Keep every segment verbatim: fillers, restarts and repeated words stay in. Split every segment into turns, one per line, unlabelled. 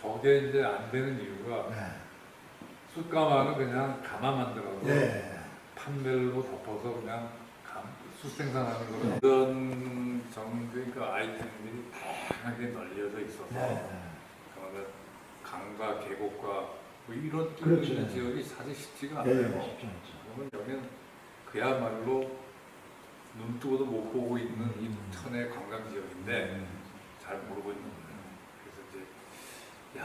저게 이제 안 되는 이유가
네.
숯가마는 그냥 가마 만들어서
네.
판별로 덮어서 그냥 감, 숯 생산하는 거로
네.
이런 정도의 그 아이템들이 다양하게 널려져 있어서
네.
그러면 강과 계곡과 뭐 이런 뚫려
그렇죠.
있는 지역이 사실 쉽지가
네.
않아요.
쉽지 않죠.
그러면 여기는 그야말로 눈 뜨고도 못 보고 있는 이
음.
천의 관광 지역인데 잘 모르고 있는 거예요.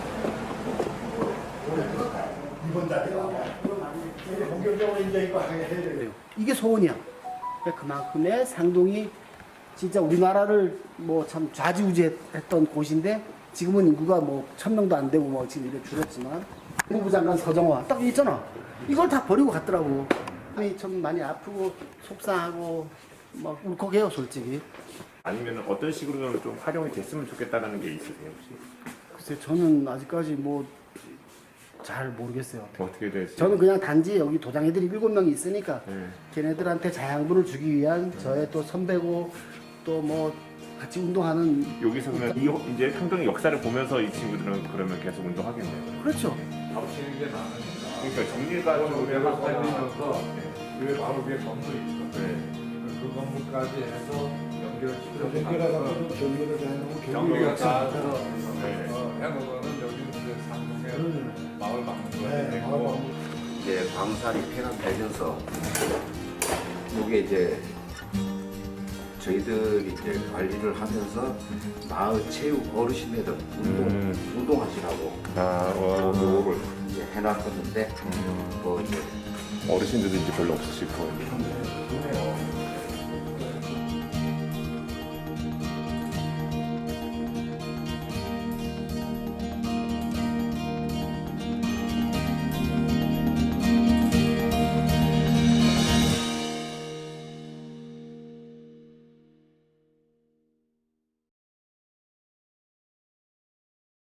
그래서 이제
이번 달에 본격적으로 이제 이거 해야 돼요.
이게 소원이야. 그러니까 그만큼의 상동이 진짜 우리나라를 뭐 참 좌지우지했던 곳인데 지금은 인구가 뭐 천 명도 안 되고 뭐 지금 이렇게 줄었지만 국무부 장관 서정화 딱 있잖아. 이걸 다 버리고 갔더라고. 마음이 좀 많이 아프고 속상하고 막 울컥해요 솔직히.
아니면 어떤 식으로 좀 활용이 됐으면 좋겠다는 게 있으세요 혹시?
글쎄 저는 아직까지 뭐 잘 모르겠어요.
어떻게 될지?
저는 그냥 단지 여기 도장 애들이 일곱 명이 있으니까
네.
걔네들한테 자양분을 주기 위한 저의 또 선배고 또 뭐 같이 운동하는
여기서 그러면 이 호- 이제 상동의 역사를 보면서 이 친구들은 그러면 계속 운동하겠네요.
그렇죠.
겹치는 게 많으니까
그러니까 정리가 좀
위에가
되면서
살리면서 위에 바로 위에 건물이 있어.
네.
그 건물까지 해서 연결시켜서
연결해가지고 경기를 해놓고
경비가 다
경기가
해서
네.
어, 해놓으면 여기는 이제 상동에
음.
마을 막는
네,
거야
마을
되고
막는
이제 광산이 폐간되면서 이게 이제 저희들이 이제 관리를 하면서 마을 체육 어르신들 운동
음.
운동하시라고
아, 와.
요거를 이제 해놨었는데 뭐 이제
어르신들도 이제 별로 없으실 거예요.
네.